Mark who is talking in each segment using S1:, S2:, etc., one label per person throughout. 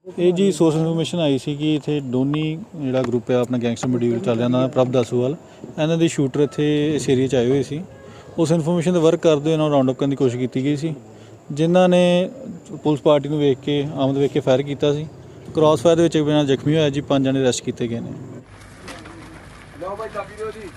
S1: ਇਹ ਜੀ source information ਆਈ ਸੀ ਕਿ ਇੱਥੇ ਡੋਨੀ ਜਿਹੜਾ ਗਰੁੱਪ ਹੈ ਆਪਣਾ ਗੈਂਗਸਟਰ ਮੋਡਿਊਲ ਚੱਲ ਰਿਹਾ ਪ੍ਰਭ ਦਾਸੂਵਾਲ, ਇਹਨਾਂ ਦੇ ਸ਼ੂਟਰ ਇੱਥੇ ਇਸ ਏਰੀਆ 'ਚ ਆਏ ਹੋਏ ਸੀ। ਉਸ ਇਨਫੋਰਮੇਸ਼ਨ ਦੇ ਵਰਕ ਕਰਦੇ ਇਹਨਾਂ ਨੂੰ ਰਾਉਂਡ ਅਪ ਕਰਨ ਦੀ ਕੋਸ਼ਿਸ਼ ਕੀਤੀ ਗਈ ਸੀ, ਜਿਨ੍ਹਾਂ ਨੇ ਪੁਲਿਸ ਪਾਰਟੀ ਨੂੰ ਵੇਖ ਕੇ ਆਮਦ ਵੇਖ ਕੇ ਫਾਇਰ ਕੀਤਾ ਸੀ। ਕ੍ਰਾਸ ਫਾਇਰ ਦੇ ਵਿੱਚ ਇੱਕ ਬਿਨਾਂ ਜ਼ਖਮੀ ਹੋਇਆ ਜੀ, 5 ਜਣੇ ਅਰੈਸਟ ਕੀਤੇ ਗਏ ਨੇ।
S2: ਲਓ ਭਾਈ ਚਾਬੀ ਦਿਓ ਜੀ।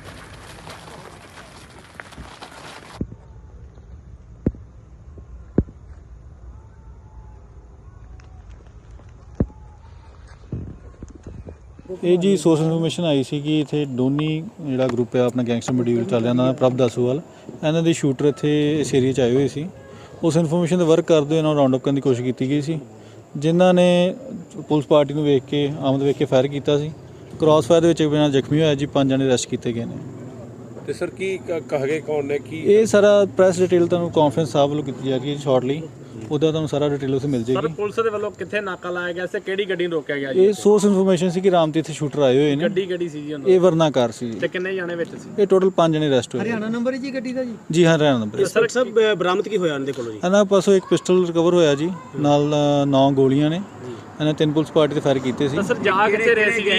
S1: ਇਹ ਜੀ ਸੋਰਸ ਇਨਫੋਰਮੇਸ਼ਨ ਆਈ ਸੀ ਕਿ ਇੱਥੇ ਡੋਨੀ ਜਿਹੜਾ ਗਰੁੱਪ ਹੈ ਆਪਣਾ ਗੈਂਗਸਟਰ ਮੋਡਿਊਲ ਚੱਲ ਰਿਹਾ ਪ੍ਰਭ ਦਾਸੂਵਾਲ, ਇਹਨਾਂ ਦੇ ਸ਼ੂਟਰ ਇੱਥੇ ਇਸ ਏਰੀਆ 'ਚ ਆਏ ਹੋਏ ਸੀ। ਉਸ ਇਨਫੋਰਮੇਸ਼ਨ ਦੇ ਵਰਕ ਕਰਦੇ ਇਹਨਾਂ ਨੂੰ ਰਾਉਂਡ ਅਪ ਕਰਨ ਦੀ ਕੋਸ਼ਿਸ਼ ਕੀਤੀ ਗਈ ਸੀ, ਜਿਨ੍ਹਾਂ ਨੇ ਪੁਲਿਸ ਪਾਰਟੀ ਨੂੰ ਵੇਖ ਕੇ ਆਮਦ ਵੇਖ ਕੇ ਫਾਇਰ ਕੀਤਾ ਸੀ। ਕ੍ਰਾਸ ਫਾਇਰ ਦੇ ਵਿੱਚ ਇੱਕ ਬਿਨਾਂ ਜ਼ਖਮੀ ਹੋਇਆ ਜੀ, 5 ਜਣੇ ਅਰੈਸਟ ਕੀਤੇ ਗਏ ਨੇ।
S2: ਤੇ ਸਰ ਕੀ ਕਹਗੇ ਕੌਣ ਨੇ ਕੀ
S1: ਇਹ ਸਾਰਾ ਪ੍ਰੈਸ ਡਿਟੇਲ ਤੁਹਾਨੂੰ ਕਾਨਫਰੰਸ ਸਾਹਿਬ ਵੱਲੋਂ ਕੀਤੀ ਜਾ ਰਹੀ ਹੈ ਸ਼ਾਰਟਲੀ, ਉਹਦਾ ਤੁਹਾਨੂੰ ਸਾਰਾ ਡਿਟੇਲ ਉੱਥੇ ਮਿਲ
S3: ਸਰ
S1: ਜਾਏਗੀ।
S3: ਪੁਲਿਸ ਦੇ ਵੱਲੋਂ ਕਿੱਥੇ ਨਾਕਾ ਲਾਇਆ ਗਿਆ ਸੀ, ਕਿਹੜੀ ਗੱਡੀ ਨੂੰ ਰੋਕਿਆ ਗਿਆ ਜੀ?
S1: ਇਹ ਸੋਰਸ ਇਨਫੋਰਮੇਸ਼ਨ ਸੀ ਕਿ ਰਾਮ ਤੇ ਇੱਥੇ ਸ਼ੂਟਰ ਆਏ ਹੋਏ ਨੇ।
S3: ਗੱਡੀ ਕਿਹੜੀ ਸੀ ਜੀ ਉਹਨਾਂ
S1: ਇਹ ਵਰਨਾ ਕਾਰ ਸੀ ਜੀ।
S3: ਤੇ ਕਿੰਨੇ ਜਾਣੇ ਵਿੱਚ ਸੀ?
S1: ਇਹ ਟੋਟਲ 5 ਜਣੇ ਅਰੈਸਟ ਹੋਏ।
S4: ਹਰਿਆਣਾ ਨੰਬਰ ਹੈ ਜੀ ਗੱਡੀ ਦਾ ਜੀ?
S1: ਜੀ ਹਾਂ, ਹਰਿਆਣਾ ਨੰਬਰ।
S3: ਸਰ ਸਭ ਬਰਾਮਦ ਕੀ ਹੋਇਆ ਇਹਨਾਂ ਦੇ ਕੋਲੋਂ ਜੀ?
S1: ਇਹਨਾਂ ਪਾਸੋਂ ਇੱਕ ਪਿਸਟਲ ਰਿਕਵਰ ਹੋਇਆ ਜੀ, ਨਾਲ 9 ਗੋਲੀਆਂ ਨੇ। ਇਹਨਾਂ 3 ਪੁਲਿਸ ਪਾਰਟੀ ਤੇ ਫਾਇਰ ਕੀਤੇ ਸੀ।
S3: ਸਰ ਜਾ ਕਿੱਥੇ ਰਹੇ ਸੀ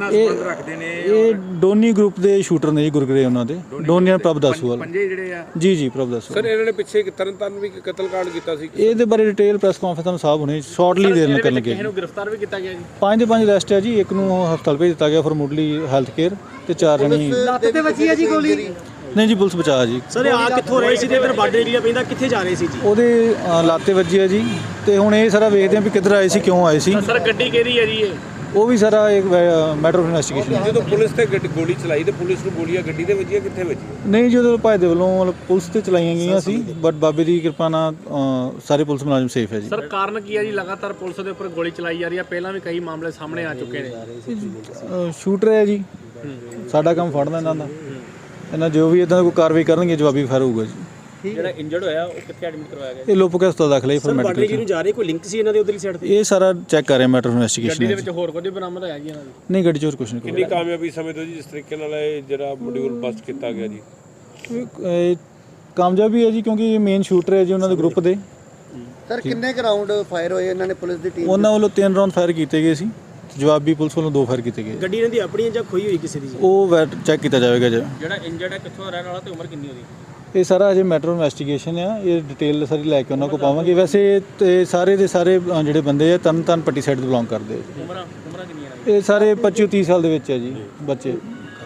S1: ਇਹ ਡੋਨੀ ਗਰੁੱਪ ਦੇ ਸ਼ੂਟਰ ਨੇ ਜੀ, ਗੁਰਗਰੇ ਉਹਨਾਂ ਦੇ। ਡੋਨੀ ਨਾਲ ਪ੍ਰਭ ਦਾਸੂਵਾਲ
S2: ਪੰਜੇ ਜਿਹੜੇ ਆ
S1: ਜੀ ਪ੍ਰਭ ਦਾਸੂਵਾਲ।
S2: ਸਰ ਇਹਨਾਂ ਨੇ ਪਿੱਛੇ ਤਰਨਤਾਰਨ ਵੀ ਕਤਲकांड ਕੀਤਾ ਸੀ।
S1: ਇਹਦੇ ਬਾਰੇ ਡਿਟੇਲ ਪ੍ਰੈਸ ਕਾਨਫਰੰਸ ਤੁਹਾਨੂੰ ਸਾਹਿਬ ਹੁਣੇ ਸ਼ਾਰਟਲੀ ਦੇਰ ਨਾਲ ਕਰਨ ਲੱਗੇ।
S3: ਕਿਸੇ ਨੂੰ ਗ੍ਰਿਫਤਾਰ ਵੀ ਕੀਤਾ ਗਿਆ ਜੀ?
S1: 5 ਦੇ 5 ਅਰੈਸਟ ਹੈ ਜੀ, ਇੱਕ ਨੂੰ ਹਸਪਤਾਲ ਭੇਜ ਦਿੱਤਾ ਗਿਆ ਫॉर ਮੁੱਢਲੀ ਹੈਲਥ ਕੇਅਰ, ਤੇ 4 ਜਣੇ
S4: ਲੱਤ ਤੇ ਵੱਜੀ ਹੈ ਜੀ ਗੋਲੀ?
S1: ਨਹੀਂ ਜੀ, ਪੁਲਿਸ ਬਚਾ ਜੀ।
S3: ਸਰ ਆ ਕਿੱਥੋਂ ਰਹੇ ਸੀ ਤੇ ਇਧਰ ਬਾਰਡਰ ਏਰੀਆ ਪੈਂਦਾ, ਕਿੱਥੇ ਜਾ ਰਹੇ ਸੀ ਜੀ?
S1: ਉਹਦੇ ਲਾਤੇ ਵੱਜੀ ਹੈ ਜੀ, ਤੇ ਹੁਣ ਇਹ ਸਾਰਾ ਵੇਖਦੇ ਆ ਵੀ ਕਿੱਧਰ ਆਏ ਸੀ, ਕਿਉਂ ਆਏ ਸੀ।
S3: ਸਰ ਗੱਡੀ ਕਿਹਦੀ ਹੈ ਜੀ ਇਹ?
S1: ਉਹ ਵੀ ਸਾਰਾ ਇੱਕ ਮੈਟਰ ਆਫ ਇਨਵੈਸਟੀਗੇਸ਼ਨ ਹੈ।
S2: ਜਦੋਂ ਪੁਲਿਸ ਤੇ ਗੋਲੀ ਚਲਾਈ ਤੇ ਪੁਲਿਸ ਨੂੰ ਗੋਲੀਆਂ ਗੱਡੀ ਦੇ ਵੱਜੀਆਂ, ਕਿੱਥੇ ਵੱਜੀਆਂ?
S1: ਨਹੀਂ, ਜਦੋਂ ਭਾਈ ਦੇ ਵੱਲੋਂ ਮਤਲਬ ਪੁਲਿਸ ਤੇ ਚਲਾਈਆਂ ਗਈਆਂ ਸੀ, ਬਟ ਬਾਬੇ ਦੀ ਕਿਰਪਾ ਨਾਲ ਸਾਰੇ ਪੁਲਿਸ ਮੁਲਾਜ਼ਮ ਸੇਫ ਹੈ ਜੀ।
S3: ਸਰ ਕਾਰਨ ਕੀ ਹੈ ਜੀ ਲਗਾਤਾਰ ਪੁਲਿਸ ਦੇ ਉੱਪਰ ਗੋਲੀ ਚਲਾਈ ਜਾ ਰਹੀ ਹੈ? ਪਹਿਲਾਂ ਵੀ ਕਈ ਮਾਮਲੇ ਸਾਹਮਣੇ ਆ ਚੁੱਕੇ ਨੇ।
S1: ਸ਼ੂਟਰ ਹੈ ਜੀ, ਸਾਡਾ ਕੰਮ ਫੜਨਾ ਇਹਨਾਂ ਦਾ। ਇਹਨਾਂ ਜੋ ਵੀ ਇਦਾਂ ਕੋਈ ਕਾਰਵਾਈ ਕਰਨਗੇ, ਜਵਾਬੀ ਫਾਇਰ ਹੋਊਗਾ ਜੀ।
S3: ਜਿਹੜਾ ਇੰਜਰਡ ਹੋਇਆ ਉਹ ਕਿੱਥੇ ਐਡਮਿਟ ਕਰਵਾਇਆ ਗਿਆ?
S1: ਇਹ ਲੋਪੋ ਹਸਪਤਾਲ ਦਾਖਲ ਹੈ ਫॉर ਮੈਡੀਕਲ।
S3: ਨੂੰ ਜਾ ਰਹੇ ਕੋਈ ਲਿੰਕ ਸੀ ਇਹਨਾਂ ਦੇ ਉਧਰਲੀ ਸਾਈਡ ਤੇ?
S1: ਇਹ ਸਾਰਾ ਚੈੱਕ ਕਰ ਰਹੇ ਮੈਟਰ ਆਫ ਇਨਵੈਸਟੀਗੇਸ਼ਨ
S3: ਗੱਡੀ
S1: ਹੈ
S3: ਦੇ ਵਿੱਚ ਹੋਰ ਕੁਝ ਬਰਾਮਦ ਹੋਇਆ ਜੀ ਇਹਨਾਂ ਦੀ?
S1: ਨਹੀਂ, ਗੱਡੀ 'ਚ ਹੋਰ ਕੁਛ ਨਹੀਂ।
S2: ਕਿੰਨੀ ਕਾਮਯਾਬੀ ਸਮਝਦੇ ਜੀ ਜਿਸ ਤਰੀਕੇ ਨਾਲ ਇਹ ਜਿਹੜਾ ਮੋਡਿਊਲ ਬਸਟ ਕੀਤਾ ਗਿਆ ਜੀ?
S1: ਇਹ ਕਾਮਯਾਬੀ ਹੈ ਜੀ, ਕਿਉਂਕਿ ਇਹ ਮੇਨ ਸ਼ੂਟਰ ਹੈ ਜੀ ਉਹਨਾਂ ਦੇ ਗਰੁੱਪ ਦੇ।
S4: ਸਰ ਕਿੰਨੇ ਰਾਉਂਡ ਫਾਇਰ ਹੋਏ ਇਹਨਾਂ ਨੇ ਪੁਲਿਸ ਦੀ ਟੀਮ?
S1: ਉਹਨਾਂ ਵੱਲੋਂ 3 ਰਾਉਂਡ ਫਾਇਰ ਕੀਤੇ ਗਏ ਸੀ, ਜਵਾਬੀ ਪੁਲਿਸ ਵੱਲੋਂ 2 ਫਾਇਰ ਕੀਤੇ ਗਏ।
S3: ਗੱਡੀ ਇਹਨਾਂ ਦੀ ਆਪਣੀ ਹੈ ਜਾਂ ਖੋਈ ਹੋਈ ਕਿਸੇ ਦੀ?
S1: ਉਹ ਚੈੱਕ ਕੀਤਾ ਜਾਵੇਗਾ ਜੀ।
S3: ਜਿਹੜਾ ਇੰਜਰਡ ਹੈ ਕਿੱਥੋਂ ਰਹਿਣ ਵਾਲਾ ਤੇ ਉਮਰ ਕਿੰਨੀ ਉਹਦੀ?
S1: ਇਹ ਸਾਰਾ ਅਜੇ ਮੈਟਰ ਆਫ ਇਨਵੈਸਟੀਗੇਸ਼ਨ ਆ, ਇਹ ਡਿਟੇਲ ਸਾਰੀ ਲੈ ਕੇ ਉਹਨਾਂ ਕੋਲ ਪਾਵਾਂਗੇ। ਵੈਸੇ ਤੇ ਸਾਰੇ ਦੇ ਸਾਰੇ ਜਿਹੜੇ ਬੰਦੇ ਆ ਤਰਨ ਪੱਟੀ ਸਾਈਡ ਤੋਂ ਬਿਲੋਂਗ ਕਰਦੇ ਆ।
S3: ਉਮਰਾਂ ਕਿੰਨੀਆਂ
S1: ਇਹ ਸਾਰੇ 25-30 ਸਾਲ ਦੇ ਵਿੱਚ ਹੈ ਜੀ ਬੱਚੇ।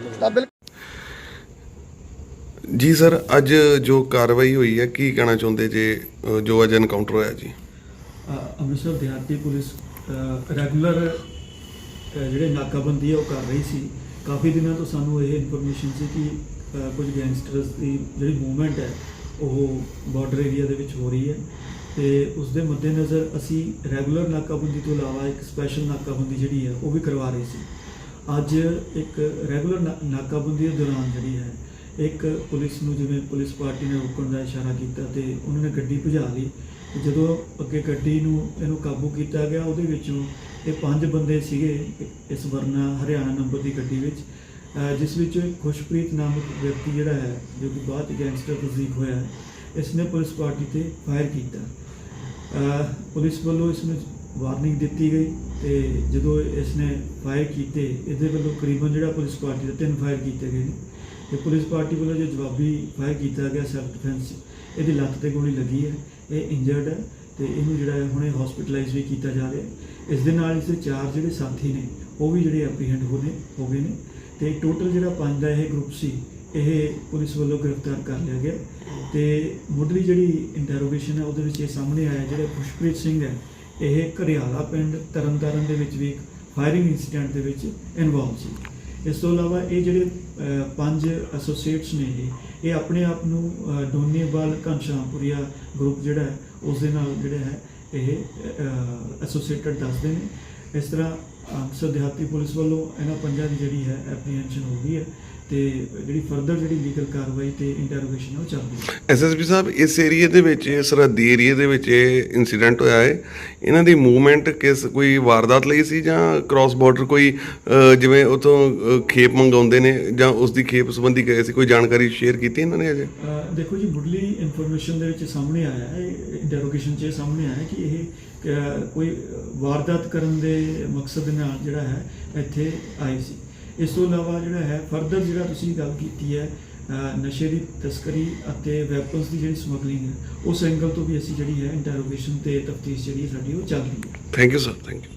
S5: ਜੀ ਸਰ, ਅੱਜ ਜੋ ਕਾਰਵਾਈ ਹੋਈ ਹੈ ਕੀ ਕਹਿਣਾ ਚਾਹੁੰਦੇ ਜੇ ਜੋ ਅੱਜ ਐਨਕਾਊਂਟਰ ਹੋਇਆ ਜੀ?
S6: ਅੰਮ੍ਰਿਤਸਰ ਦਿਹਾਤੀ ਪੁਲਿਸ ਰੈਗੂਲਰ ਜਿਹੜੇ ਨਾਕਾਬੰਦੀ ਹੈ ਉਹ ਕਰ ਰਹੀ ਸੀ। ਕਾਫੀ ਦਿਨਾਂ ਤੋਂ ਸਾਨੂੰ ਇਹ ਇਨਫੋਰਮੇਸ਼ਨ ਸੀ ਕਿ ਕੁਝ ਗੈਂਗਸਟਰਸ ਦੀ ਜਿਹੜੀ ਮੂਵਮੈਂਟ ਹੈ ਉਹ ਬਾਰਡਰ ਏਰੀਆ ਦੇ ਵਿੱਚ ਹੋ ਰਹੀ ਹੈ, ਤੇ ਉਸ ਦੇ ਮੱਦੇਨਜ਼ਰ ਅਸੀਂ ਰੈਗੂਲਰ ਨਾਕਾਬੰਦੀ ਤੋਂ ਇਲਾਵਾ ਇੱਕ ਸਪੈਸ਼ਲ ਨਾਕਾਬੰਦੀ ਜਿਹੜੀ ਹੈ ਉਹ ਵੀ ਕਰਵਾ ਰਹੀ ਸੀ। ਅੱਜ ਇੱਕ ਰੈਗੂਲਰ ਨਾਕਾਬੰਦੀ ਦੇ ਦੌਰਾਨ ਜਿਹੜੀ ਹੈ ਇੱਕ ਪੁਲਿਸ ਨੂੰ ਜਿਵੇਂ ਪੁਲਿਸ ਪਾਰਟੀ ਨੇ ਰੋਕਣ ਦਾ ਇਸ਼ਾਰਾ ਕੀਤਾ ਤੇ ਉਹਨਾਂ ਨੇ ਗੱਡੀ ਭਜਾ ਲਈ। ਜਦੋਂ ਅੱਗੇ ਗੱਡੀ ਨੂੰ ਇਹਨੂੰ ਕਾਬੂ ਕੀਤਾ ਗਿਆ, ਉਹਦੇ ਵਿੱਚੋਂ ਇਹ 5 ਬੰਦੇ ਸੀਗੇ ਇਸ ਵਰਨਾ ਹਰਿਆਣਾ ਨੰਬਰ ਦੀ ਗੱਡੀ ਵਿੱਚ, ਜਿਸ ਵਿੱਚੋਂ ਇੱਕ ਖੁਸ਼ਪ੍ਰੀਤ ਨਾਮਕ ਵਿਅਕਤੀ ਜਿਹੜਾ ਹੈ ਜੋ ਕਿ ਬਾਅਦ ਗੈਂਗਸਟਰ ਤਸਦੀਕ ਹੋਇਆ ਹੈ, ਇਸ ਨੇ ਪੁਲਿਸ ਪਾਰਟੀ ਤੇ ਫਾਇਰ ਕੀਤਾ। ਪੁਲਿਸ ਵੱਲੋਂ ਇਸ ਨੂੰ ਵਾਰਨਿੰਗ ਦਿੱਤੀ ਗਈ ਤੇ ਜਦੋਂ ਇਸ ਨੇ ਫਾਇਰ ਕੀਤੇ, ਇਹਦੇ ਵੱਲੋਂ ਕਰੀਬਨ ਜਿਹੜਾ ਪੁਲਿਸ ਪਾਰਟੀ ਦੇ 3 ਫਾਇਰ ਕੀਤੇ ਗਏ ਨੇ ਤੇ ਪੁਲਿਸ ਪਾਰਟੀ ਵੱਲੋਂ ਜੋ ਜਵਾਬੀ ਫਾਇਰ ਕੀਤਾ ਗਿਆ ਸੈਲਫ ਡਿਫੈਂਸ, ਇਹਦੀ ਲੱਤ ਤੇ ਗੋਲੀ ਲੱਗੀ ਹੈ। ਇਹ ਇੰਜਰਡ ਹੈ ਤੇ ਇਹਨੂੰ ਜਿਹੜਾ ਹੈ ਹੁਣੇ ਹਸਪੀਟਲਾਈਜ਼ ਵੀ ਕੀਤਾ ਜਾ ਰਿਹਾ ਹੈ। ਇਸ ਦੇ ਨਾਲ ਇਸਦੇ 4 ਜਿਹੜੇ ਸਾਥੀ ਨੇ ਉਹ ਵੀ ਜਿਹੜੇ ਐਪਰੀਹੈਂਡ ਹੋ ਗਏ ਨੇ ਤੇ ਟੋਟਲ ਜਿਹੜਾ 5 ਦਾ ਇਹ ਗਰੁੱਪ ਸੀ ਇਹ ਪੁਲਿਸ ਵੱਲੋਂ ਗ੍ਰਿਫਤਾਰ ਕਰ ਲਿਆ ਗਿਆ। ਤੇ ਮੁੱਢਲੀ ਜਿਹੜੀ ਇੰਟਰੋਗੇਸ਼ਨ ਹੈ ਉਹਦੇ ਵਿੱਚ ਇਹ ਸਾਹਮਣੇ ਆਇਆ ਜਿਹੜਾ ਖੁਸ਼ਪ੍ਰੀਤ ਸਿੰਘ ਹੈ ਇਹ ਘਰਿਆਲਾ ਪਿੰਡ ਤਰਨਤਾਰਨ ਦੇ ਵਿੱਚ ਵੀ ਇੱਕ ਫਾਇਰਿੰਗ ਇਨਸੀਡੈਂਟ ਦੇ ਵਿੱਚ ਇਨਵੋਲਵ ਸੀ। ਇਸ ਤੋਂ ਇਲਾਵਾ ਇਹ ਜਿਹੜੇ 5 ਐਸੋਸੀਏਟਸ ਨੇ ਇਹ ਆਪਣੇ ਆਪ ਨੂੰ ਡੋਨੀਵਾਲ ਘਨਸ਼ਾਮਪੁਰੀਆ ਗਰੁੱਪ ਜਿਹੜਾ ਹੈ ਉਸ ਦੇ ਨਾਲ ਜਿਹੜਾ ਹੈ ਇਹ ਐਸੋਸੀਏਟਡ ਦੱਸਦੇ ਨੇ। ਇਸ ਤਰ੍ਹਾਂ ਅੰਮ੍ਰਿਤਸਰ ਦਿਹਾਤੀ ਪੁਲਿਸ ਵੱਲੋਂ ਇਹਨਾਂ 5 ਦੀ ਜਿਹੜੀ ਹੈ ਐਪਰੀਹੈਂਸ਼ਨ ਹੋ ਗਈ ਹੈ ਤੇ ਜਿਹੜੀ ਫਰਦਰ ਜਿਹੜੀ ਲੀਗਲ ਕਾਰਵਾਈ ਤੇ ਇੰਟਰੋਗੇਸ਼ਨ ਹੈ ਉਹ ਚੱਲ ਰਹੀ ਹੈ।
S5: ਐਸਐਸਪੀ ਸਾਹਿਬ, ਇਸ ਏਰੀਏ ਦੇ ਵਿੱਚ ਸਰਹੱਦੀ ਏਰੀਏ ਦੇ ਵਿੱਚ ਇਹ ਇਨਸੀਡੈਂਟ ਹੋਇਆ ਹੈ, ਇਹਨਾਂ ਦੀ ਮੂਵਮੈਂਟ ਕੋਈ ਵਾਰਦਾਤ ਲਈ ਸੀ ਜਾਂ ਕ੍ਰਾਸ ਬਾਰਡਰ ਕੋਈ ਜਿਵੇਂ ਉਤੋਂ ਖੇਪ ਮੰਗਾਉਂਦੇ ਨੇ ਜਾਂ ਉਸ ਦੀ ਖੇਪ ਸੰਬੰਧੀ ਗਏ ਸੀ, ਕੋਈ ਜਾਣਕਾਰੀ ਸ਼ੇਅਰ ਕੀਤੀ ਇਹਨਾਂ ਨੇ ਅਜੇ? ਦੇਖੋ
S6: ਜੀ, ਮੁੱਢਲੀ ਇਨਫੋਰਮੇਸ਼ਨ ਦੇ ਵਿੱਚ ਸਾਹਮਣੇ ਆਇਆ ਹੈ, ਇੰਟਰੋਗੇਸ਼ਨ 'ਚ ਸਾਹਮਣੇ ਆਇਆ ਕਿ ਇਹ ਕੋਈ ਵਾਰਦਾਤ ਕਰਨ ਦੇ ਮਕਸਦ ਦੇ ਨਾਲ ਜਿਹੜਾ ਹੈ ਇੱਥੇ ਆਏ ਸੀ। ਇਸ ਤੋਂ ਇਲਾਵਾ ਜਿਹੜਾ ਹੈ ਫਰਦਰ ਜਿਹੜਾ ਤੁਸੀਂ ਗੱਲ ਕੀਤੀ ਹੈ ਨਸ਼ੇ ਦੀ ਤਸਕਰੀ ਅਤੇ ਵੈਪਨਸ ਦੀ ਜਿਹੜੀ ਸਮਗਲਿੰਗ ਹੈ, ਉਸ ਐਂਗਲ ਤੋਂ ਵੀ ਅਸੀਂ ਜਿਹੜੀ ਹੈ ਇੰਟਰੋਗੇਸ਼ਨ ਤੇ ਤਫਤੀਸ਼ ਜਿਹੜੀ ਸਾਡੀ ਉਹ ਚੱਲ ਰਹੀ ਹੈ।
S5: Thank you sir, thank you.